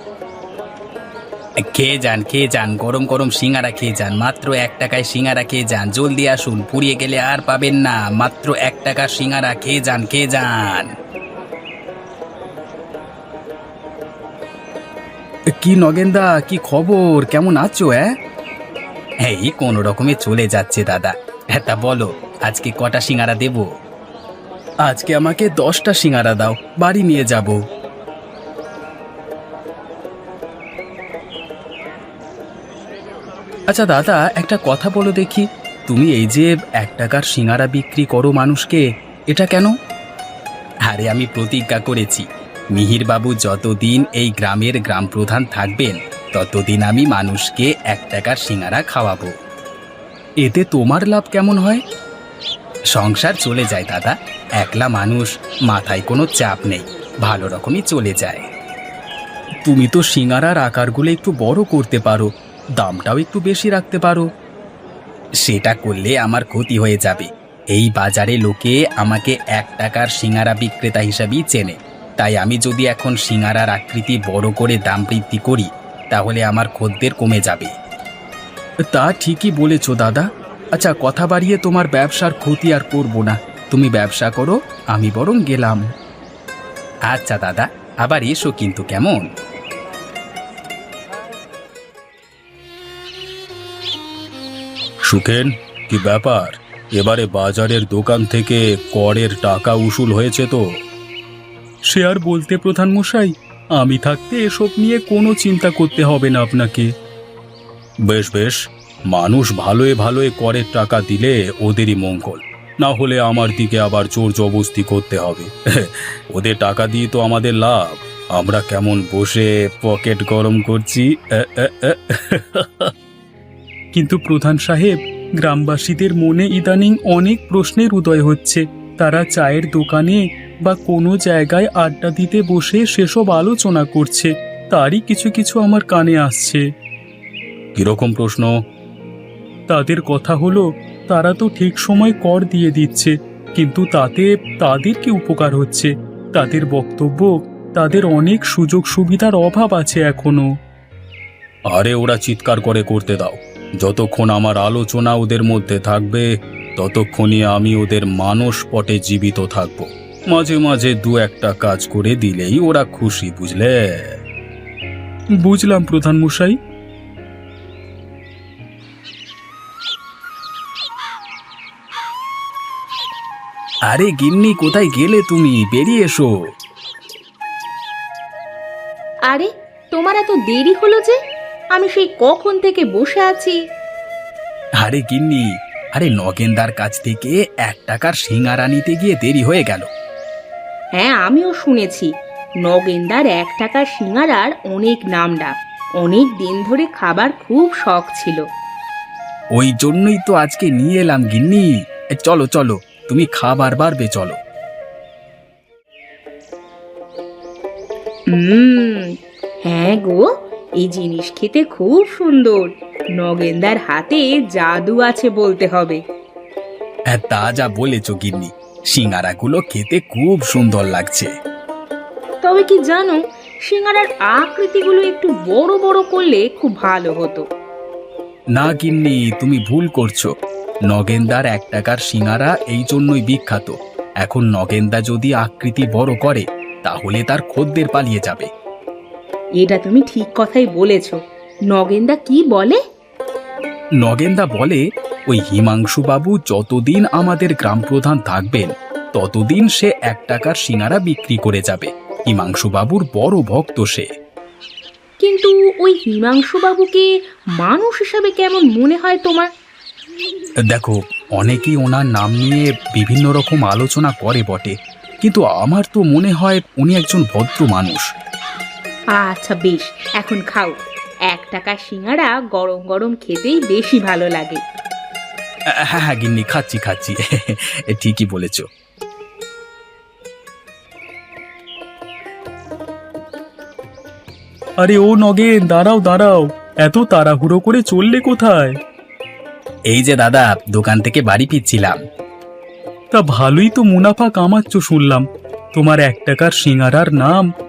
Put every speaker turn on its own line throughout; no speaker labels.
খেয়ে যান খেয়ে যান, গরম গরম সিঙ্গারা খেয়ে যান, মাত্র 1 টাকায় সিঙ্গারা খেয়ে যান, জলদি আসুন, পুড়িয়ে গেলে আর পাবেন না, মাত্র 1 টাকার সিঙ্গারা খেয়ে যান খেয়ে যান। কি নগেনদা, কি খবর, কেমন আছো? এই কোনো রকমে চলে যাচ্ছে দাদা। হ্যাঁ তা বলো, আজকে কটা সিঙ্গারা দেব? আজকে আমাকে 10টা সিঙ্গারা দাও, বাড়ি নিয়ে যাব। আচ্ছা দাদা, একটা কথা বলো দেখি, তুমি এই যে 1 টাকার সিঙ্গারা বিক্রি করো মানুষকে, এটা কেন? আরে আমি প্রতিজ্ঞা করেছি, মিহিরবাবু যতদিন এই গ্রামের গ্রাম প্রধান থাকবেন ততদিন আমি মানুষকে 1 টাকার সিঙ্গারা খাওয়াবো। এতে তোমার লাভ কেমন হয়? সংসার চলে যায় দাদা, একলা মানুষ, মাথায় কোনো চাপ নেই, ভালো রকমই চলে যায়। তুমি তো সিঙ্গারার আকারগুলো একটু বড় করতে পারো, দামটাও একটু বেশি রাখতে পারো। সেটা করলে আমার ক্ষতি হয়ে যাবে। এই বাজারে লোকে আমাকে 1 টাকার সিঙ্গারা বিক্রেতা হিসাবেই চেনে, তাই আমি যদি এখন সিঙ্গারার আকৃতি বড় করে দাম বৃদ্ধি করি তাহলে আমার খদ্দের কমে যাবে। তা ঠিকই বলেছ দাদা। আচ্ছা, কথা বাড়িয়ে তোমার ব্যবসার ক্ষতি আর করব না, তুমি ব্যবসা করো, আমি বরং গেলাম। আচ্ছা দাদা, আবার এসো কিন্তু, কেমন?
সুখেন, কি ব্যাপার? এবারে বাজারের দোকান থেকে করের টাকা উসুল হয়েছে তো?
সে আর বলতে প্রধান মশাই, আমি থাকতে এসব নিয়ে কোনো চিন্তা করতে হবে না আপনাকে।
বেশ বেশ, মানুষ ভালোয় ভালোয় করের টাকা দিলে ওদেরই মঙ্গল, না হলে আমার দিকে আবার জোর জবস্তি করতে হবে। ওদের টাকা দিয়ে তো আমাদের লাভ, আমরা কেমন বসে পকেট গরম করছি।
কিন্তু প্রধান সাহেব, গ্রামবাসীদের মনে ইদানিং অনেক প্রশ্নের উদয় হচ্ছে। তারা চায়ের দোকানে বা কোনো জায়গায় আড্ডা দিতে বসে সেসব আলোচনা করছে, তারই কিছু কিছু আমার কানে আসছে।
কিরকম প্রশ্ন?
তাদের কথা হলো, তারা তো ঠিক সময় কর দিয়ে দিচ্ছে, কিন্তু তাতে তাদের কি উপকার হচ্ছে? তাদের বক্তব্য, তাদের অনেক সুযোগ সুবিধার অভাব আছে এখনো।
আরে ওরা চিৎকার করে করতে দাও, যতক্ষণ আমার আলোচনা ওদের মধ্যে থাকবে ততক্ষণই আমি ওদের মানসপটে জীবিত থাকব। মাঝে মাঝে 2-1টা কাজ করে দিলেই ওরা খুশি, বুঝলে?
বুঝলাম প্রধান মশাই।
আরে গিন্নি, কোথায় গেলে তুমি? বেরিয়ে এসো।
আরে, তোমার এত দেরি হলো যে? আমি সেই কখন থেকে বসে আছি।
আরে গিন্নি, আরে নগেনদার কাছ থেকে 1 টাকার সিঙ্গারা নিতে গিয়ে দেরি হয়ে গেল।
হ্যাঁ, আমিও শুনেছি নগেনদার 1 টাকার সিঙ্গারার অনেক নাম ডাক, অনেক দিন ধরে খাবার খুব শখ ছিল।
ওই জন্যই তো আজকে নিয়ে এলাম গিন্নি। চলো চলো, তুমি খাবার বাড়বে, চলো।
হ্যাঁ গো, এই জিনিস খেতে খুব সুন্দর। নগেনদার হাতে জাদু আছে বলতে হবে।
হ্যাঁ, তা যা বলেছ গিন্নি, সিঙ্গারাগুলো খেতে খুব সুন্দর লাগছে।
তবে কি জানো, সিঙ্গারার আকৃতিগুলো একটু বড় বড় করলে খুব ভালো হতো।
না গিন্নি, তুমি ভুল করছো। নগেনদার 1 টাকার সিঙ্গারা এই জন্যই বিখ্যাত। এখন নগেনদা যদি আকৃতি বড় করে তাহলে তার খদ্দের পালিয়ে যাবে।
এটা তুমি ঠিক কথাই বলেছ। নগেনদা কি বলে?
নগেনদা বলে, ওই হিমাংশু বাবু যতদিন আমাদের গ্রাম প্রধান থাকবেন ততদিন সে 1 টাকার সিঙ্গারা বিক্রি করে যাবে। হিমাংশু বাবুর বড় ভক্ত সে।
কিন্তু ওই হিমাংশু বাবুকে মানুষ হিসাবে কেমন মনে হয় তোমার?
দেখো, অনেকেই ওনার নাম নিয়ে বিভিন্ন রকম আলোচনা করে বটে, কিন্তু আমার তো মনে হয় উনি একজন ভদ্র মানুষ।
আচ্ছা বেশ, এখন খাও। 1 টাকার সিঙ্গারা গরম গরম খেতেই বেশি ভালো লাগে।
হ্যাঁ হ্যাঁ গিন্নি, খাচ্ছি খাচ্ছি। ঠিকই বলেছ।
আরে ও নগেন, দাঁড়াও দাঁড়াও, এত তাড়াহুড়ো করে চললে কোথায়?
এই যে দাদা, দোকান থেকে বাড়ি ফিরছিলাম।
তা ভালোই তো মুনাফা কামাচ্ছ শুনলাম। তোমার 1 টাকার সিঙ্গারার নাম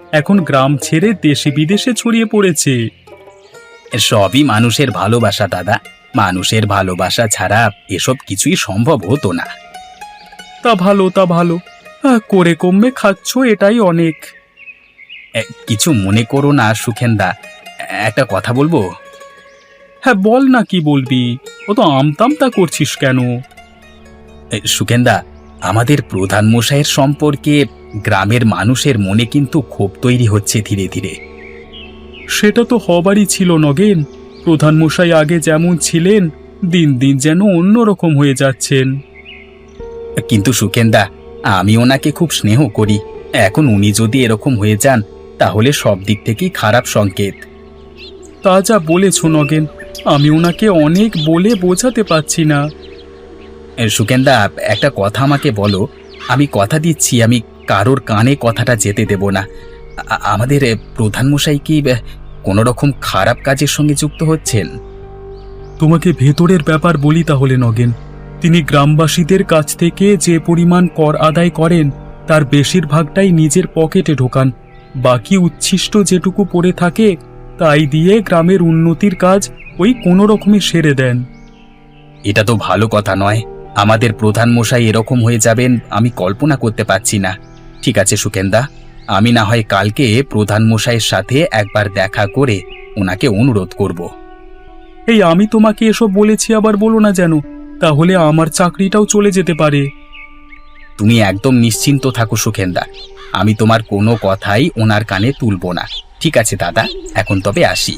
এখন গ্রাম ছেড়ে দেশে বিদেশে ছড়িয়ে পড়েছে।
সবই মানুষের ভালোবাসা দাদা, মানুষের ভালোবাসা ছাড়া এসব কিছুই সম্ভব হতো না।
তা ভালো, তা ভালো। করে কমবে খাচ্ছ, এটাই অনেক।
কিছু মনে করো না সুখেন্দা, একটা কথা বলবো?
হ্যাঁ বল না, কি বলবি? ও তো আমতামতা করছিস কেন?
সুখেন্দা, আমাদের প্রধান মশাইয়ের সম্পর্কে গ্রামের মানুষের মনে কিন্তু ক্ষোভ তৈরি হচ্ছে ধীরে ধীরে।
সেটা তো হবারই ছিল নগেন। প্রধানমশাই আগে যেমন ছিলেন, দিন দিন যেন অন্যরকম হয়ে যাচ্ছেন।
কিন্তু সুখেন্দা, আমি ওনাকে খুব স্নেহ করি। এখন উনি যদি এরকম হয়ে যান তাহলে সব দিক থেকেই খারাপ সংকেত।
তা যা বলেছ নগেন, আমি ওনাকে অনেক বলে বোঝাতে পারছি না।
সুখেন্দা, একটা কথা আমাকে বলো। আমি কথা দিচ্ছি আমি কারোর কানে কথাটা যেতে দেব না। আমাদের প্রধান মশাই কি কোনো রকম খারাপ কাজের সঙ্গে যুক্ত হচ্ছেন?
তোমাকে ভেতরের ব্যাপার বলি তাহলে নগেন। তিনি গ্রামবাসীদের কাছ থেকে যে পরিমাণ কর আদায় করেন তার বেশিরভাগটাই নিজের পকেটে ঢোকান। বাকি উচ্ছিষ্ট যেটুকু পড়ে থাকে তাই দিয়ে গ্রামের উন্নতির কাজ ওই কোনো রকমে সেরে দেন।
এটা তো ভালো কথা নয়। আমাদের প্রধান মশাই এরকম হয়ে যাবেন আমি কল্পনা করতে পারছি না। ঠিক আছে সুখেন্দা, আমি না হয় কালকে প্রধান মশাইয়ের সাথে একবার দেখা করে ওনাকে অনুরোধ করব।
এই আমি তোমাকে এসব বলেছি আবার বলো না যেন, তাহলে আমার চাকরিটাও চলে যেতে পারে।
তুমি একদম নিশ্চিন্ত থাকো সুখেন্দা, আমি তোমার কোনো কথাই ওনার কানে তুলব না। ঠিক আছে দাদা, এখন তবে আসি।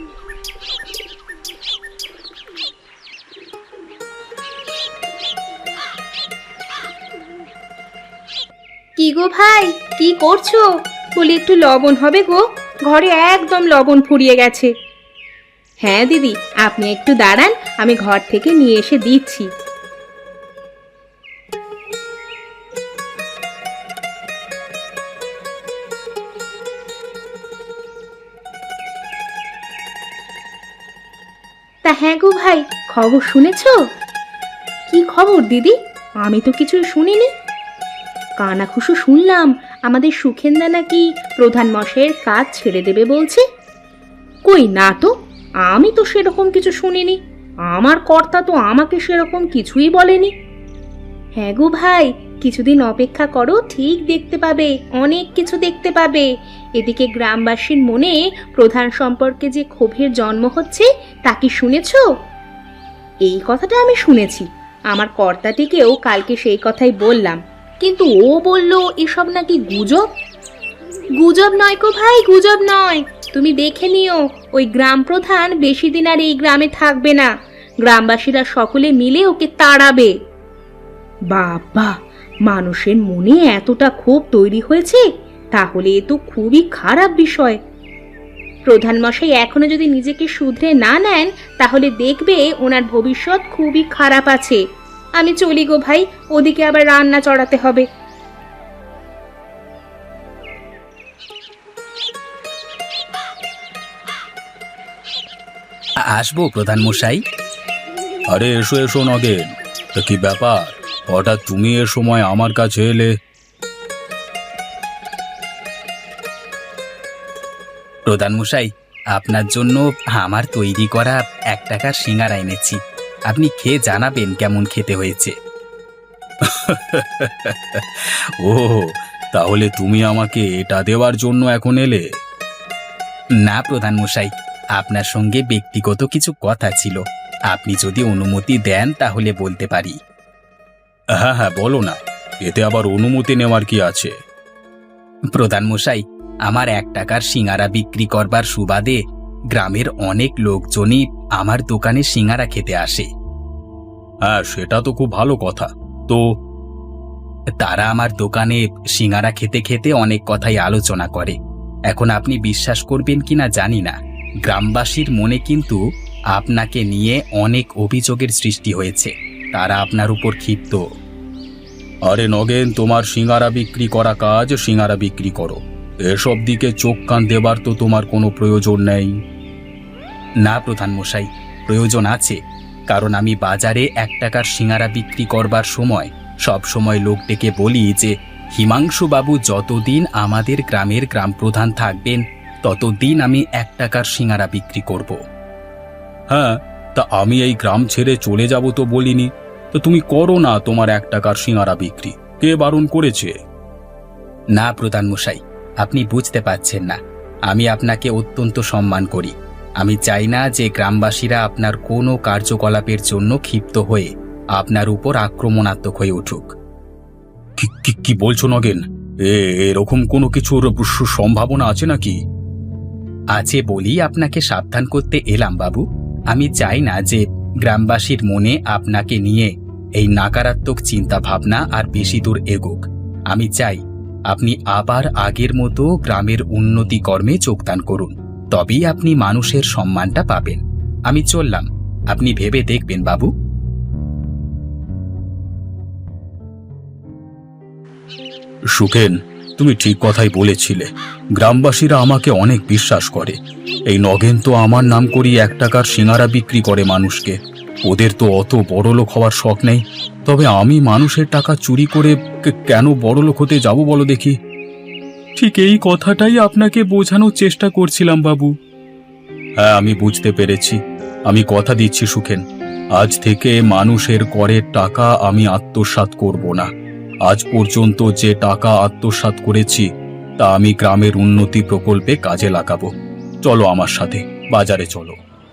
কি গো ভাই, কি করছো? বলি একটু লবণ হবে গো, ঘরে একদম লবণ ফুরিয়ে গেছে। হ্যাঁ দিদি, আপনি একটু দাঁড়ান, আমি ঘর থেকে নিয়ে এসে দিচ্ছি। তা হ্যাঁ গো ভাই, খবর শুনেছো? কি খবর দিদি? আমি তো কিছুই শুনিনি। কানাঘুষো শুনলাম আমাদের সুখেন্দা নাকি প্রধান মশাইয়ের কাজ ছেড়ে দেবে বলছে। কই না তো, আমি তো সেরকম কিছু শুনিনি। আমার কর্তা তো আমাকে সেরকম কিছুই বলেনি। হ্যাঁ গো ভাই, কিছুদিন অপেক্ষা করো, ঠিক দেখতে পাবে, অনেক কিছু দেখতে পাবে। এদিকে গ্রামবাসীর মনে প্রধান সম্পর্কে যে ক্ষোভের জন্ম হচ্ছে তা কি শুনেছো? এই কথাটা আমি শুনেছি। আমার কর্তাটিকেও কালকে সেই কথাই বললাম, কিন্তু ও বলল এসব নাকি গুজব। গুজব নয় গো ভাই, গুজব নয়। তুমি দেখে নিও, ওই গ্রাম প্রধান বেশি দিন আর এই গ্রামে থাকবে না। গ্রামবাসীরা সকলে মিলে ওকে তাড়াবে। বাবা, মানুষের মনে এতটা ক্ষোভ তৈরি হয়েছে, তাহলে এ তো খুবই খারাপ বিষয়। প্রধান মশাই এখনো যদি নিজেকে শুধরে না নেন তাহলে দেখবে ওনার ভবিষ্যৎ খুবই খারাপ আছে। আমি চলি গো ভাই, ওদিকে আবার রান্না চড়াতে হবে।
আসবো প্রধান মশাই।
আরে এসো এসো নগেন, তা কি ব্যাপার? হঠাৎ তুমি এ সময় আমার কাছে এলে?
প্রধান মশাই, আপনার জন্য আমার তৈরি করা 1 টাকার সিঙ্গারা এনেছি। আপনি খেয়ে জানাবেন কেমন খেতে হয়েছে।
ও, তাহলে তুমি আমাকে এটা দেওয়ার জন্য এখন এলে?
না প্রধান মশাই, আপনার সঙ্গে ব্যক্তিগত কিছু কথা ছিল। আপনি যদি অনুমতি দেন তাহলে বলতে পারি।
হ্যাঁ হ্যাঁ, বলো না, এতে আবার অনুমতি নেওয়ার কি আছে?
প্রধান মশাই, আমার 1 টাকার সিঙ্গারা বিক্রি করবার সুবাদে গ্রামের অনেক লোকজনই আমার দোকানে সিঙ্গারা খেতে আসে।
হ্যাঁ, সেটা তো খুব ভালো কথা। তো
তারা আমার দোকানে সিঙ্গারা খেতে খেতে অনেক কথাই আলোচনা করে। এখন আপনি বিশ্বাস করবেন কিনা জানি না, গ্রামবাসীর মনে কিন্তু আপনাকে নিয়ে অনেক অভিযোগের সৃষ্টি হয়েছে। তারা আপনার উপর ক্ষিপ্ত।
আরে নগেন, তোমার সিঙ্গারা বিক্রি করা কাজ সিঙ্গারা বিক্রি করো, এসব দিকে চোখ কান দেবার তো তোমার কোনো প্রয়োজন নেই।
না প্রধান মশাই, প্রয়োজন আছে। কারণ আমি বাজারে 1 টাকার সিঙ্গারা বিক্রি করবার সময় সব সময় লোক ডেকে বলি যে হিমাংশু বাবু যতদিন আমাদের গ্রামের গ্রাম প্রধান থাকবেন ততদিন আমি 1 টাকার সিঙারা বিক্রি করব।
হ্যাঁ, তা আমি এই গ্রাম ছেড়ে চলে যাব তো বলিনি। তো তুমি করো না তোমার 1 টাকার সিঙারা বিক্রি, কে বারণ করেছে?
না প্রধান মশাই, আপনি বুঝতে পারছেন না। আমি আপনাকে অত্যন্ত সম্মান করি। আমি চাই না যে গ্রামবাসীরা আপনার কোনো কার্যকলাপের জন্য ক্ষিপ্ত হয়ে আপনার উপর আক্রমণাত্মক হয়ে উঠুক।
কি বলছো নগেন? এরকম কোনো কিছুর সম্ভাবনা আছে নাকি?
আছে বলেই আপনাকে সাবধান করতে এলাম বাবু। আমি চাই না যে গ্রামবাসীর মনে আপনাকে নিয়ে এই নকারাত্মক চিন্তা ভাবনা আর বেশি দূর এগোক। আমি চাই আপনি আবার আগের মতো গ্রামের উন্নতি কর্মে যোগদান করুন, তবেই আপনি মানুষের সম্মানটা পাবেন। আমি চললাম, আপনি ভেবে দেখবেন বাবু।
সুখেন, তুমি ঠিক কথাই বলেছিলে। গ্রামবাসীরা আমাকে অনেক বিশ্বাস করে। এই নগেন তো আমার নাম করি 1 টাকার সিঙারা বিক্রি করে মানুষকে। ওদের তো অত বড়লোক হওয়ার শখ নেই। তবে আমি মানুষের টাকা চুরি করে কেন বড়লোক হতে যাব বলো দেখি?
ঠিক এই কথাটাই আপনাকে বোঝানোর চেষ্টা করছিলাম বাবু।
হ্যাঁ, আমি বুঝতে পেরেছি। আমি কথা দিচ্ছি সুখেন, আজ থেকে মানুষের করের টাকা আমি আত্মসাৎ করব না। আজ পর্যন্ত যে টাকা আত্মসাৎ করেছি তা আমি গ্রামের উন্নতি প্রকল্পে কাজে লাগাবো। চলো আমার সাথে, বাজারে চলো।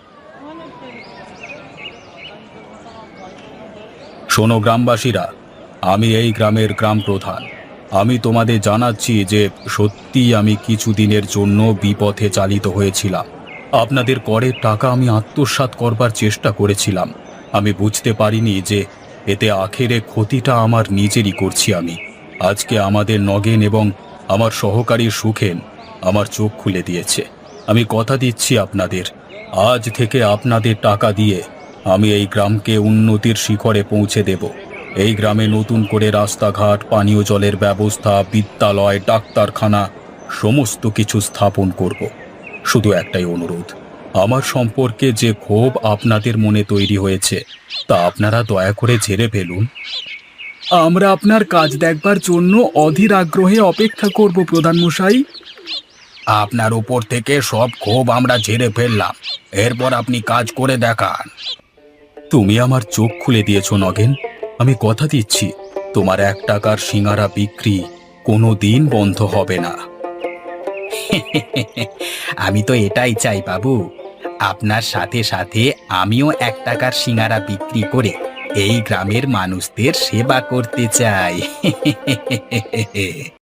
শোনো গ্রামবাসীরা, আমি এই গ্রামের গ্রাম প্রধান। আমি তোমাদের জানাচ্ছি যে সত্যি আমি কিছুদিনের জন্য বিপথে চালিত হয়েছিলাম। আপনাদের করের টাকা আমি আত্মসাৎ করবার চেষ্টা করেছিলাম। আমি বুঝতে পারিনি যে এতে আখেরে ক্ষতিটা আমার নিজেরই করছি আমি। আজকে আমাদের নগেন এবং আমার সহকারী সুখেন আমার চোখ খুলে দিয়েছে। আমি কথা দিচ্ছি আপনাদের, আজ থেকে আপনাদের টাকা দিয়ে আমি এই গ্রামকে উন্নতির শিখরে পৌঁছে দেব। এই গ্রামে নতুন করে রাস্তাঘাট, পানীয় জলের ব্যবস্থা, বিদ্যালয়, ডাক্তারখানা সমস্ত কিছু স্থাপন করব। শুধু একটাই অনুরোধ, আমার সম্পর্কে যে ক্ষোভ আপনাদের মনে তৈরি হয়েছে তা আপনারা দয়া করে ঝেড়ে ফেলুন।
আমরা আপনার কাজ দেখবার জন্য অধীর আগ্রহে অপেক্ষা করব প্রধান মশাই।
আপনার উপর থেকে সব ক্ষোভ আমরা ঝেড়ে ফেললাম, এরপর আপনি কাজ করে দেখান।
তুমি আমার চোখ খুলে দিয়েছো নগেন। আমি কথা দিচ্ছি তোমার 1 টাকার সিঙারা বিক্রি কোনো দিন বন্ধ হবে না।
আমি তো এটাই চাই বাবু। আপনার সাথে সাথে আমিও 1 টাকার সিঙারা বিক্রি করে এই গ্রামের মানুষদের সেবা করতে চাই।